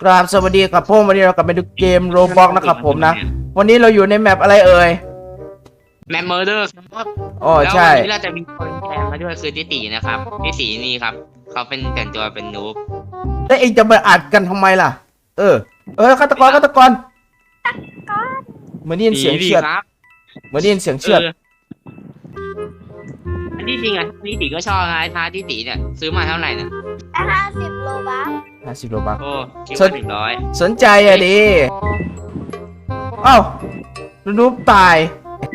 กราบสวัสดีครับผมวันนี้เรากลับไปดูเกมโรบ็อกนะครับผมนะวันนี้เราอยู่ในแมปอะไรเอ่ยแมมเมอร์เดอร์ครับอ๋อแล้วใช่วันนี้เราจะมีคนแทนมาด้วยคือติตินะครับติตินี่ครับเขาเป็นแต่งตัวเป็นนูบแล้วเองจะมาอัดกันทำไมล่ะฆาตกรเหมือนได้ยินเสียงเชือดครับเหมือนได้ยินเสียงเชือดอันที่จริงอ่ะติติก็ชอบนะท้าติติเนี่ยซื้อมาเท่าไหร่นะ 50 โลบัค 50 โลบัคโอ้คิดว่า100 สนใจอ่ะดิเอ้านูบตาย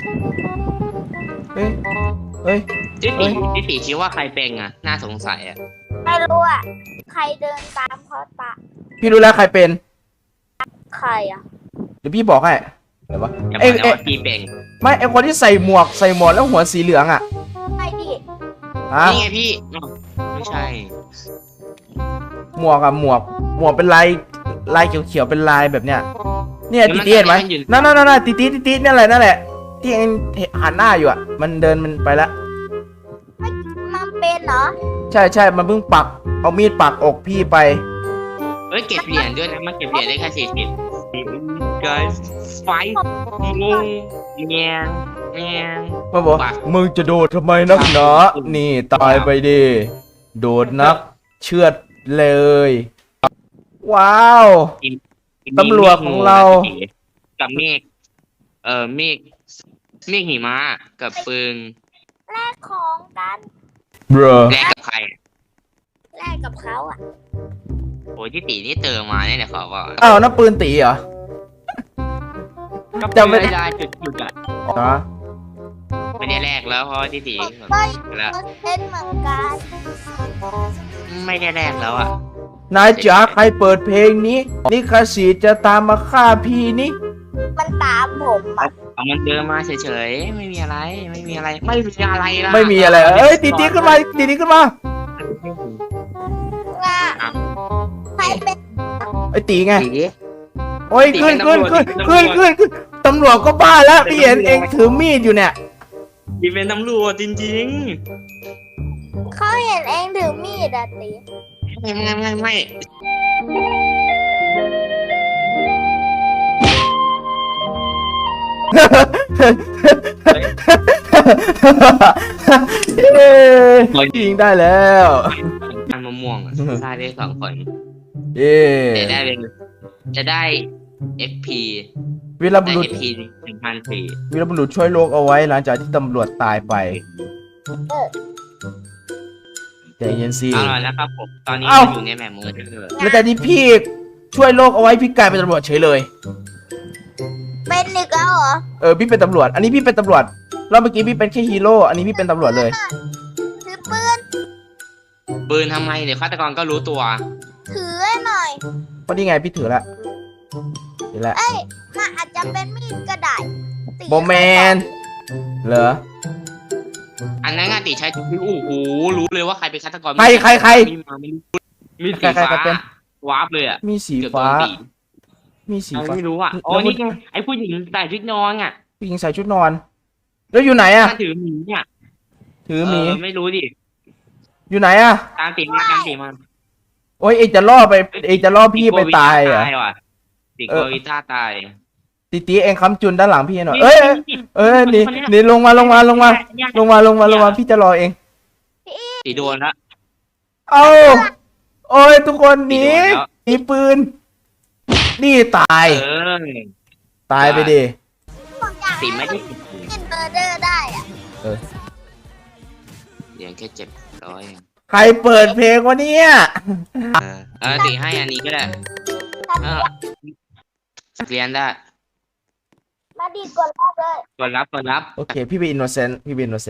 เฮ้ยติติคิดว่าใครเป็นอ่ะน่าสงสัยอ่ะไม่รู้อ่ะ ใครเดินตามเขาตาพี่รู้แล้วใครเป็นใครอ่ะเดี๋ยวพี่บอกให้เดี๋ยววะอย่าบอกนะว่าพี่เป็นไม่ไอคนที่ใส่หมวกแล้วหัวสีเหลืองอ่ะใครดินี่ไงพี่ไม่ใช่หมวกเป็นลายเขียวเป็นลายแบบเนี้ยเนี่ยติเห็นไหมนั่นตินั่นแหละที่เองหันหน้าอยู่อ่ะมันเดินมันไปแล้วมันเป็นเหรอใช่มันเพิ่งปักเอามีดปักอกพี่ไปเฮ้ยเก็บเหรียญด้วยนะมันเก็บเหรียญได้แค่40 guys fight งงเงียงมาบอกมึงจะโดดทำไมนักหนานี่ตายไปดิโดดนักเชือดเลยว้าวตำรวจของเรากับเมฆเมฆหิมะกับปืนแลกของกันแลกกับใครแลกกับเขาอ่ะโอ้ยที่ตีนี่เติมมาเนี่ยขอบอกอ้าวนั่นปืนตีเหรอจำไม่ได้จุดอ่ะไม่ได้แลกแล้วเพราะที่ตีแล้วเป็นเหมือนกันไม่ได้แลกแล้วอ่ะนายจ๋าใครเปิดเพลงนี้นี่คาสีจะตามมาฆ่าพี่นี่มันตามผมอ่ะมันเดินมาเฉยๆไม่มีอะไรละไม่มีอะไรเอ้ยตีขึ้นมาใครเป็นไอ้ตีไงโอ้ยขึ้นตำรวจก็บ้าแล้วพี่เห็นเองถือมีดอยู่เนี่ยพี่เป็นตำรวจจริงๆเขาเห็นเองถือมีดอ่ะตีไม่ยิงได้แล้วมันมะม่วงได้2 คนจะได้ FP วีรบุรุษ 1,400 วีรบุรุษช่วยโลกเอาไว้หลังจากที่ตำรวจตายไปใจเย็นสิอร่อยแล้วครับผมตอนนี้อยู่ในแมปมือแล้วแต่ที่พี่ช่วยโลกเอาไว้พี่กลายเป็นตำรวจเฉยเลยเป็นอีกแล้วเหรอพี่เป็นตำรวจอันนี้พี่เป็นตำรวจแล้วเมื่อกี้พี่เป็นแค่ฮีโร่อันนี้พี่เป็นตำรวจเลยถือปืนทำไมเดี๋ยวฆาตกรก็รู้ตัวถือให้หน่อยก็นี่ไงพี่ถือละเอ้ยมันอาจจะเป็นมีดก็ได้โบแมนเหรออันนั้นติใช้โอ้โหรู้เลยว่าใครเป็นฆาตกรใครมีสีฟ้าวาร์ปเลยอ่ะมีสีฟ้าไม่รู้อ่ะอ๋อนี่ไงไอ้ผู้หญิงใส่ชุดนอนอ่ะผู้หญิงใส่ชุดนอนแล้วอยู่ไหนอ่ะถือหมีเนี่ยถือหมีไม่รู้ดิอยู่ไหนอ่ะตามตีมาโอ้ยเอกจะล่อพี่ไปตายอ่ะติโกวิต้าตายตีเองค้ำจุนด้านหลังพี่หน่อยนี่ลงมาพี่จะรอเองตีโดนละเอาโอ้ยทุกคนหนีมีปืนนี่ตายไปดิตีไม่ได้เป็นเบอร์เดอร์ได้อ่ะเดี๋ยวแค่700 ใครเปิดเพลงวะเนี่ยตีให้อันนี้ก็ได้เรียนได้มาดีกดรับเลยกดรับโอเคพี่เป็นอินโนเซนต์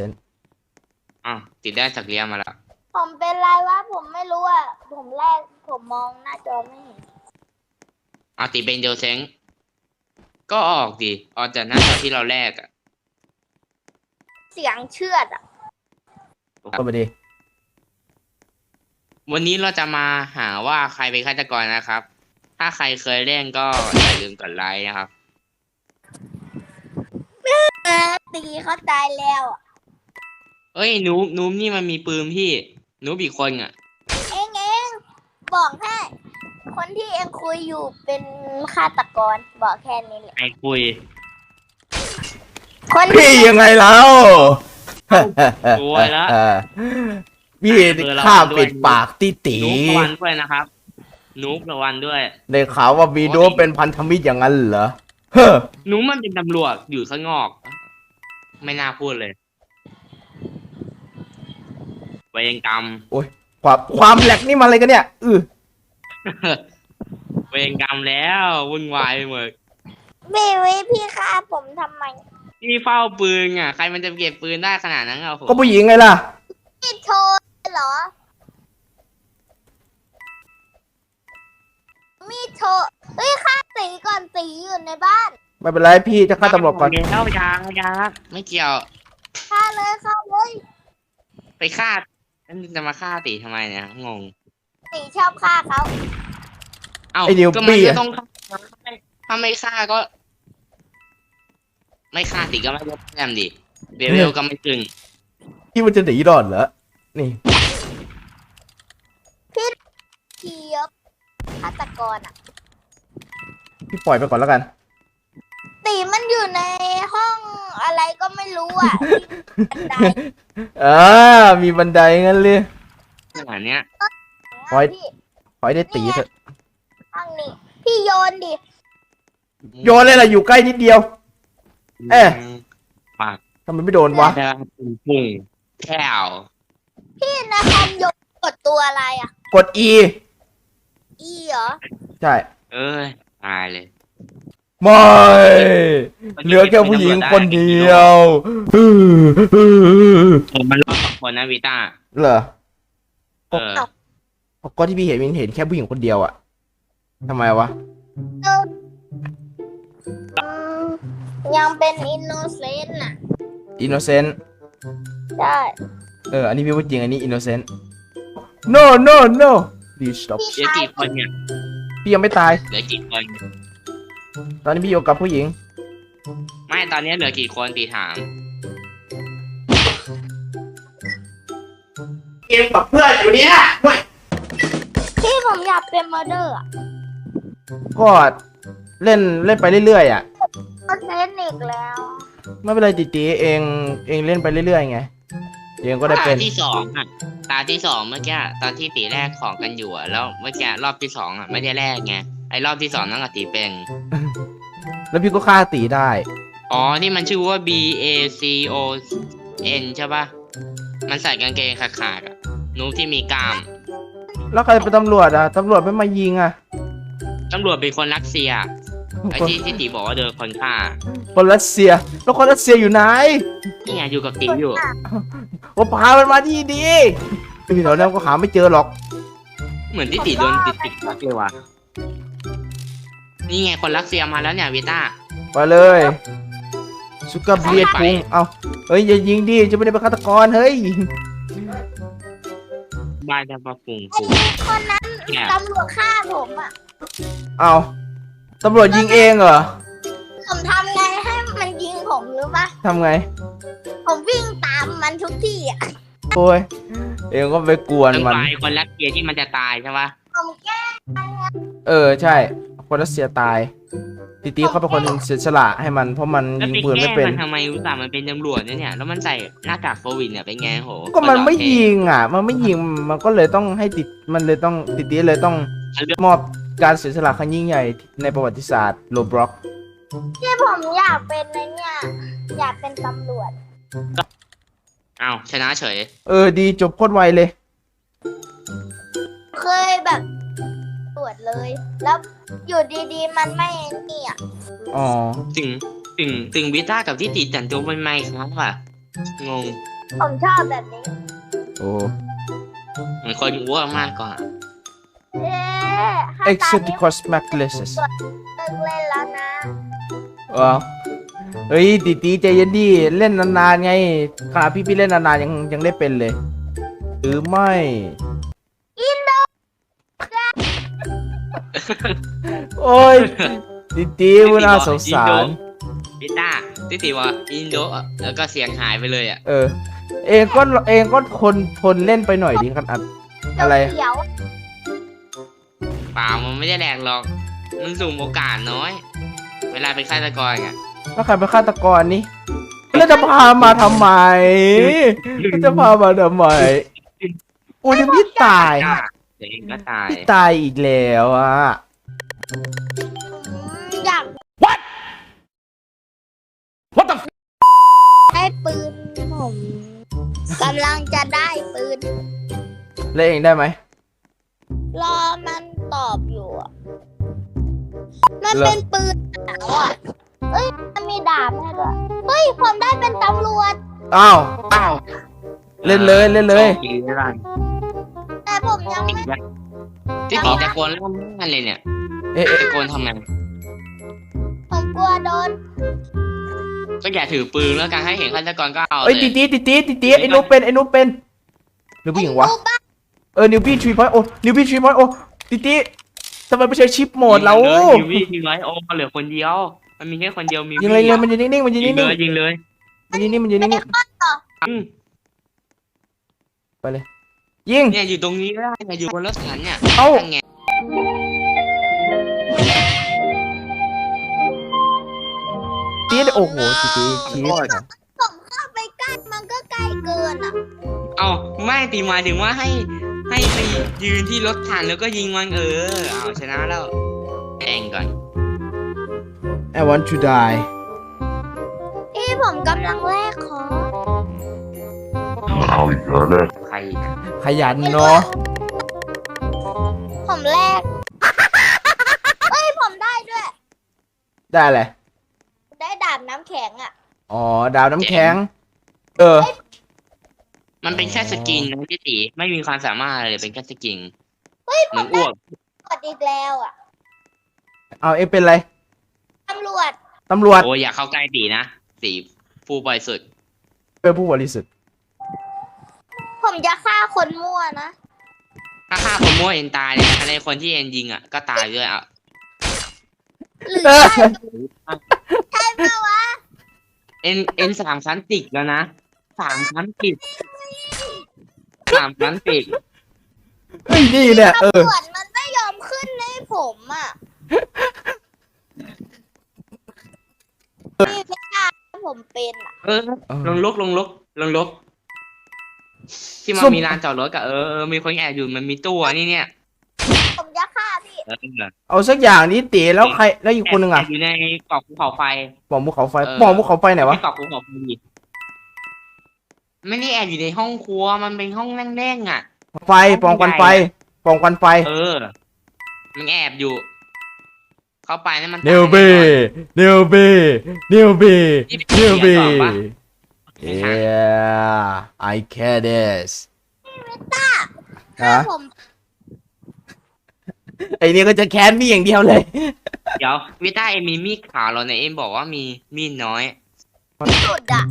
ติดได้สักเรียนมาแล้วผมเป็นไรวะผมไม่รู้อ่ะผมมองหน้าจอไม่เห็นติดเป็นเดลเซงก็ออกจากหน้าจอที่เราแลกอ่ะเสียงเชือดอ่ะก็ไปดิวันนี้เราจะมาหาว่าใครเป็นฆาตกรนะครับถ้าใครเคยเล่นก็อย่าลืมกดไลค์นะครับตีเขาตายแล้วเอ้ยนูบนี่มันมีปืนพี่นูบอีกคนอ่ะเองบอกให้คนที่เองคุยอยู่เป็นฆาตกรบอกแค่นี้แหละไอ้คุยคนพี่ที่ยังไงแล้วโวยแล้วพี่ข้าปิดปากตีตีนุ๊กระวันด้วยนะครับนุ๊กระวันด้วยได้ข่าวว่าวีโดเป็นพันธมิตรอย่างนั้นเหรอเฮ้อนุ๊กมันเป็นตำรวจอยู่ข้างนอก ไม่น่าพูดเลยเวรกรรมโอ้ยความแหลกนี่มันอะไรกันเนี่ยเวรกรรมแล้ววุ่นวายไปหมดพี่ฆ่าผมทำไมพี่เฝ้าปืนอ่ะใครมันจะเก็บปืนได้ขนาดนั้นอ่ะโหก็ผู้หญิงไงล่ะพี่โทรเหรอมีโทรเฮ้ยฆ่าตีก่อนตีอยู่ในบ้านไม่เป็นไรพี่จะฆ่าตำรวจก่อนเดี๋ยวยาไม่เกี่ยวฆ่าเลยไปฆ่าจะมาฆ่าตีทำไมเนี่ยงงตีชอบฆ่าเขาเอ้าไอ้นิวก็มันปี้ก็อะต้องฆ่าถ้าไม่ฆ่าก็ ไม่ฆ่าตีก็ไม่ได้แต้มดิเบลก็ไม่ตึงพี่มันจะหนีรอดเหรอนี่เทียบฆาตกรอ่ะพี่ปล่อยไปก่อนแล้วกันตีมันอยู่ในห้องอะไรก็ไม่รู้อ่ะบันไดมีบันไดงั้นเลยขนาดเนี้ยปล่อยพี่ปล่อยได้ตีเถอะห้องนี้พี่โยนดิโยนเลยล่ะอยู่ใกล้นิดเดียว เอ๊ะปากทำไมไม่โดนวะจะปุ่งแถวพี่นะคอมโยนกดตัวอะไรอ่ะกด E อีเหรอใช่เอ้ยตายเลยไม่เหลือแค่ผู้หญิงคนเดียวผมมันรอด2 คนนะวิต้าเหรอเออก็ที่พี่เห็นแค่ผู้หญิงคนเดียวอะทำไมวะยังเป็นอินโนเซนต์อ่ะ innocent ใช่อันนี้พี่พูดจริงอันนี้ innocent no no no please stop เหลือกี่คนเนี่ยพี่ยังไม่ตายเหลือกี่คนตอนนี้พี่อยู่กับผู้หญิงไม่ตอนนี้เหลือกี่คนตีถามเกมกับเพื่อนอยู่เนี่ยพี่ผมอยากเป็นมอเดอร์อ่ะก็เล่นไปเรื่อยๆอ่ะก็เซนอีกแล้วไม่เป็นไรตีเองเล่นไปเรื่อยๆไงเองก็ได้เป็นตาที่ 2อ่ะตาที่ 2เมื่อกี้ตอนที่ตีแรกของกันอยู่อ่ะแล้วเมื่อกี้รอบที่ 2อ่ะไม่ได้แรกไงไอ้รอบที่ 2นั่นก็ตีเป็นแล้วพี่ก็ฆ่าตีได้อ๋อนี่มันชื่อว่า B A C O N ใช่ปะมันใส่กางเกงขาดๆอ่ะนูบที่มีกล้ามแล้วใครเป็นตำรวจอ่ะตำรวจไม่มายิงอ่ะตำรวจเป็นคนรัสเซียไอ้ที่ตีบอกว่าเดินคนฆ่าคนรัสเซียแล้วคนรัสเซียอยู่ไหนนี่ไงอยู่กับตีอยู่ว่าพามันมาที่ดีพี่แถวนั้นก็หาไม่เจอหรอกเหมือนที่ตีโดนติดเลยว่ะนี่ไงคนรัสเซียมาแล้วเนี่ยวิต้าไปเลยสุกาเบียดพุงเอาเฮ้ยอย่ายิงดิจะไม่ได้เป็นฆาตกรเฮ้ยบ้านจะมาปุ่งไอ้คนนั้นเนี่ยตำรวจฆ่าผมอ่ะเอาตำรวจยิงเองเหรอผมทำไงให้มันยิงผมรู้ปะทำไงผมวิ่งตามมันทุกที่อ่ะโอ้ยเองก็ไปกวนต้องมันไปคนรัสเซียที่มันจะตายใช่ปะผมแก้ใช่คนรัสเซียตายตีเขาเป็นคนเสียสละให้มันเพราะมันแล้วยิงไปปืนแกล้ไม่งเป็นมันทำไมอุตส่าห์มันเป็นตำรวจเนี่ยแล้วมันใส่หน้ากากโควิดเนี่ยเป็นไงโหก็มันไม่ยิงอ่ะ มันไม่ยิงมันก็เลยต้องให้มันเลยต้องตีเลยต้องมอบการเสียสละครั้งยิ่งใหญ่ในประวัติศาสตร์โลบล็อกที่ผมอยากเป็นในเนี่ยอยากเป็นตำรวจอ้าวชนะเฉยดีจบโคตรไวเลยเคยแบบตรวจเลย แล้วอยู่ดีๆมันไม่นี่อ่ะอ๋อถึงวิต้ากับที่ตีแต่งตัวเป็นไมค์ครับว่ะงงผมชอบแบบนี้โอ้เหมือนคนอ้วกมากกว่าเอ๊ะถ้าตอนนี้ Exoticos Macleses เลิกเล่นแล้วนะว้าวเฮ้ยตีใจเย็นดิเล่นนานๆไงขนาดพี่เล่นนานๆยังได้เป็นเลย หรือไม่อินโดโอ้ยตีมันน่าสงสารวิต้าที่ตีว่าอินโดแล้วก็เสียงหายไปเลยอ่ะเองก็ทนเล่นไปหน่อยดิครับอะไรเขียวอเปล่ามันไม่ได้แหลกหรอกมันสุ่มโอกาสน้อย เวลาเป็นฆาตกรอ่ะแล้วใครเป็นฆาตกรนี่แล้วจะพามาทำไมจะพามาทำไมโอ้ยพี่ตายเดี๋ยวเองก็ตายพี่ตายอีกแล้วอ่ะอยาก What the ได้ปืนผมกำลังจะได้ปืนเล่นเองได้ไหมรอมันตอบอยู่อะมันเป็นปืนหนาวอ่ะเอ้ยมันมีดาบให้ด้วยเฮ้ยผมได้เป็นตำรวจอ้าวอ้าวเล่นเลยเล่นเลยโชคดีนะล่ะแต่ผมยังไม่ที่ตีตะโกนเล่าม่านเลยเนี่ยเอ๊ะตะโกนทำไมผมกลัวโดนก็อย่าถือปืนแล้วกันให้เห็นฆาตกรก็เอาเลเอ้ยยตีไอ้นุ๊กเป็นหรือผู้หญิงวะรูปบ้านนิวบี้3.0นิวบี้3.0ตีทำไมไม่ใช้ชิปโหมดเรายิงยิงเลยโอ้เหลือคนเดียว มันมีแค่คนเดียวมียิงเลยมันยืนนิ่งๆมันยืนยินิ่งงเลยยิงเลยๆมันยืนนิ่งไปเลยยิงเนี่ยอยู่ตรงนี้ก็ได้เนี่ยอยู่บนรถถังเนี่ยเอ้านั่นไงตีโอ้โหตีชีสผมเข้าไปใกล้มันก็ใกล้เกินอ่ะเอาไม่ตีหมายถึงว่าให้ไปยืนที่รถถังแล้วก็ยิงมันเอาชนะแล้วแองก่อน I want to die ที่ผมกำลังแลกของเอาอีกแล้วเลยใครขยันเนาะผมแลกเฮ้ยผมได้ด้วยได้เลยได้ดาบน้ำแข็งอ่ะอ๋อดาวน้ำแข็งมันเป็นแค่สกินนะพี่ตีไม่มีความสามารถอะไรเลยเป็นแค่สกินเฮ้ยเหผมือมนอ้วกกดอีกแล้วอ่ะเอาเอ็เป็นไรตำรวจตำรวจโอ้ยอยากเข้าใกล้ตีนะตีผู้บริสุทธิ์เป็นผู้บริสุทธิ์ผมจะฆ่าคนมั่วนะถ้าฆ่าคนมั่วเอ็นตายเลยนะในคนที่เอ็นยิงก็ตายด้วยอ่ะหรือใช่ใช่ปะวะเอ็น3 ชั้นติดแล้วนะ3 ชั้นติด3 ชั้นติดเฮ้ยนี่เนี่ยตำรวจมันไม่ยอมขึ้นให้ผมอ่ะพี่ไม่กล้าให้ผมเป็นอ่ะลงลกที่มันมีลานจอดรถกับมีคนแอบอยู่มันมีตู้นี่เนี่ยผมจะฆ่าพี่เอาสักอย่างนี้ตีแล้วใครแล้วอีกคนหนึ่งอ่ะอยู่ในเกาะภูเขาไฟปองภูเขาไฟไหนวะเกาะภูเขาไฟไม่ได้แอบอยู่ในห้องครัวมันเป็นห้องนั่งเล่นอ่ะไฟปองควันไฟมันแอบอยู่ เข้าไปนั่นมันเนวเบyeah I can this ฮะผมไอ้นี่ก็จะแค้นพี่อย่างเดียวเลยเดี๋ยววิต้าเอ็มมีมีดขาวเราเนี่ยเอ็มบอกว่ามีมีดน้อยสุดอ่ะ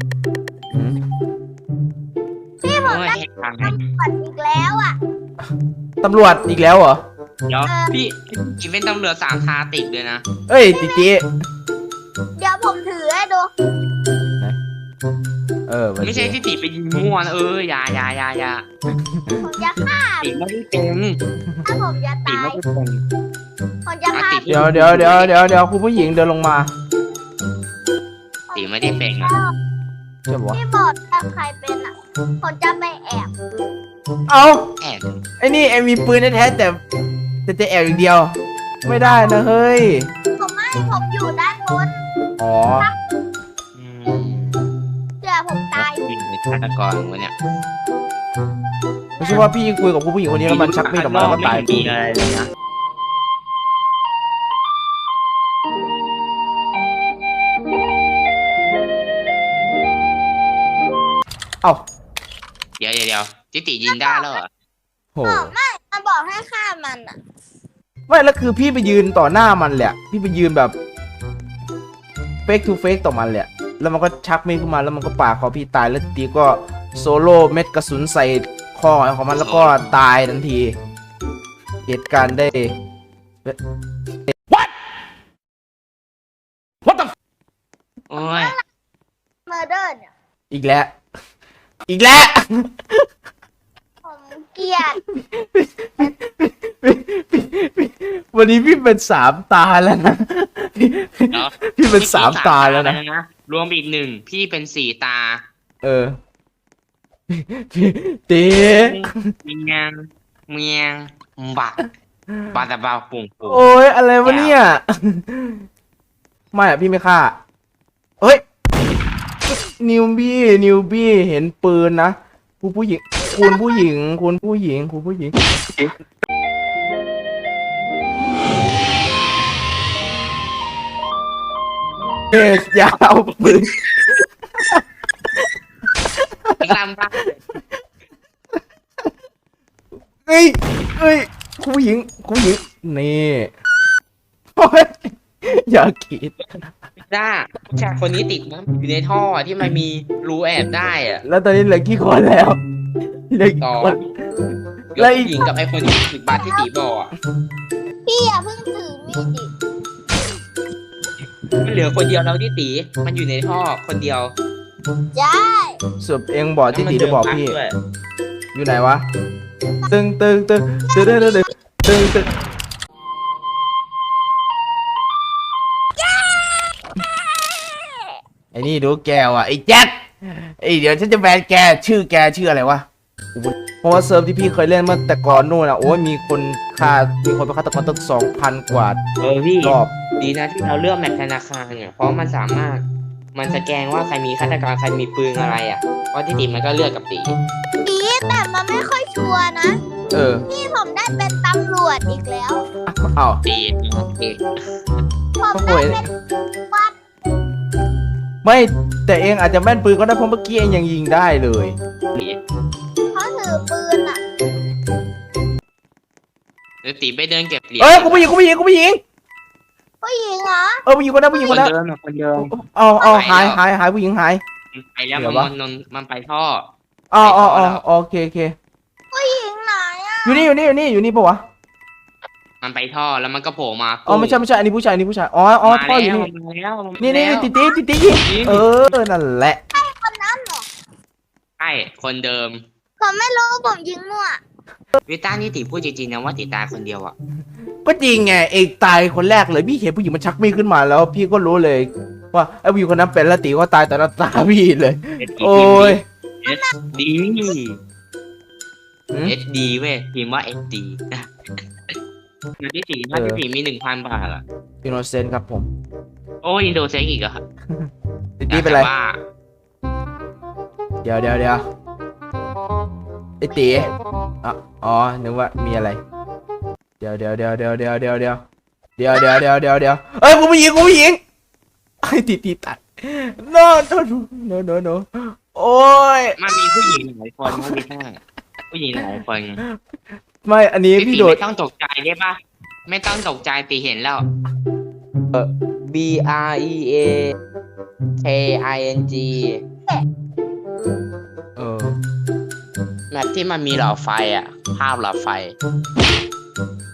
พี่ผมได้แหกทางตำรวจอีกแล้วอ่ะตำรวจอีกแล้วเหรอเดี๋ยวพี่กินเป็นตำรวจ3 ทาติดเลยนะเอ้ยตีเดี๋ยวผมถือให้ดูไม่ใช่ที่ติไปยิงมั่วนะอย่าผมจะฆ่าติไม่ได้เป็นถ้าผมจะติตาไม่ยได้เป็นผมจะฆ่าเดี๋ยวคุณผู้หญิงเดินลงมาติไม่ได้เป็นอ่ะใช่ปะพี่บอกถ้าใครเป็นอ่ะ ผมจะไปแอบเอาแอบไอ้นี่ไอ้มีปืนแท้ๆแต่จะแอบอย่างเดียว ไม่ได้นะเฮ้ยผมอยู่ด้านบนอ๋อเดี๋ยวผมตายยิงในฆาตกรวะเนี่ยไม่ใช่ว่าพี่คุยกับผู้หญิงคนนี้แล้วมันชักมีดออกมาแล้วก็ตายไม่มีอะไรเลยนะเอ้าเดี๋ยวจิติยิงได้แล้วเหรอโหไม่มันบอกให้ฆ่ามันอ่ะไม่แล้วคือพี่ไปยืนต่อหน้ามันแหละพี่ไปยืนแบบเฟกทูเฟกต่อมันแหละแล้วมันก็ชักมีดขึ้นมาแล้วมันก็ปาดคอพี่ตายแล้วตีก็โซโล่เม็ดกระสุนใส่คอของมันแล้วก็ตายทันทีเหตุการณ์ได้ What the โอ้ยเมอร์เดอร์เนี่ยอีกแล้วผมเกลียดวันนี้พี่เป็น3 ตาแล้วนะพี่เป็น3 ตาแล้วนะรวมอีก1พี่เป็น4 ตาเออเต๋เมียงเมียงบักบาตาบาปุ่งปุ่งโอ้ยอะไรวะเนี่ยไม่อะพี่ไม่ฆ่าเฮ้ยนิวบี้เห็นปืนนะผู้หญิงคุณผู้หญิงเอ๊ะยาวปืนตามบ้าเอ้ยคุณผู้หญิงนี่โอ้ยอย่าคิดจ้าผู้ชายคนนี้ติดมั้งอยู่ในท่อที่มันมีรูแอบได้อะแล้วตอนนี้เหลือกี่คนแล้วเหลือกี่ต่อคนแล้วผู้หญิงกับไอ้คนที่ติดบัตรที่ตีบอกอะพี่อย่าเพิ่งถือมีดดิมันเหลือคนเดียวแล้วที่ตีมันอยู่ในท่อคนเดียวใช่ส่วนเองบอกที่ตีจะบอกพี่แล้วมันเดินบักด้วยอยู่ไหนวะตึงไอ้นี่ดูแกว่ะไอ้แจ็คไอ้เดี๋ยวฉันจะแบนแกชื่ออะไรวะเพราะว่าเซิร์ฟที่พี่เคยเล่นเมื่อแต่ก่อนนู่นอ่ะโอ้ยมีคนเป็นฆาตกรตั้ง2,000 กว่าพี่รอบดีนะที่เราเลือกแมปธนาคารเนี่ยเพราะมันสามารถมันสแกนว่าใครมีฆาตกรใครมีปืนอะไรอ่ะเพราะที่ตีมันก็เลือกกับตีตีแต่มันไม่ค่อยชัวร์นะเออนี่ผมได้เป็นตำรวจอีกแล้วอ้าวตีโอเคผมได้เป็นวัดไม่แต่เองอาจจะแม่นปืนก็ได้เพราะเมื่อกี้เองยังยิงได้เลยเขาถือปืนอ่ะหรือตีไปเดินเก็บเหรียญเอ้ยกูผู้หญิงผู้หญิงเหรอผู้หญิงคนนั้นคนเดิมอะคนเดิมเอาหายผู้หญิงหายไปแล้วเดี๋ยววะมันไปท่ออ๋อโอเคผู้หญิงไหนอ่ะอยู่นี่ปะวะมันไปท่อแล้วมันก็โผล่มาอ๋อไม่ใช่อันนี้ผู้ชายอ๋อท่ออยู่นี่มาแล้วนี่ติดยิงเออนั่นแหละคนนั้นเหรอใช่คนเดิมผมไม่รู้ผมยิงมั่ววิต้านี่ตีพูดจริงๆนะว่าตีตายคนเดียวอ่ะก็จริงไงเอกตายคนแรกเลยพี่เห็นผู้หญิงมันชักมีดขึ้นมาแล้ว พี่ก็รู้เลยว่าไอ้ผู้หญิงคนนั้นเป็นแล้วตีก็ตายต่อหน้าตาพี่เลย โอ้ยดีหืม SD เว้ยพิมพ์ว่า SD อยู่ที่สี่มี 1,000 บาทอ่ะอินโนเซนต์ครับผมโอ้อินโดเซ็กอีกอ่ะตีเป็นไรว่าเดี๋ยวไอ้ตีอ๋อนึกว่ามีอะไรเดี๋ยวเอ้ยผู้หญิงไอ้ตีตัด no โอ้ยมันมีผู้หญิงหลายคนนะวิต้าผู้หญิงหลายคนไม่อันนี้พี่โดดไม่ต้องตกใจได้ปะไม่ต้องตกใจตีเห็นแล้ว BREAKING เออแมปที่มันมีหลอดไฟอ่ะ ภาพหลอดไฟ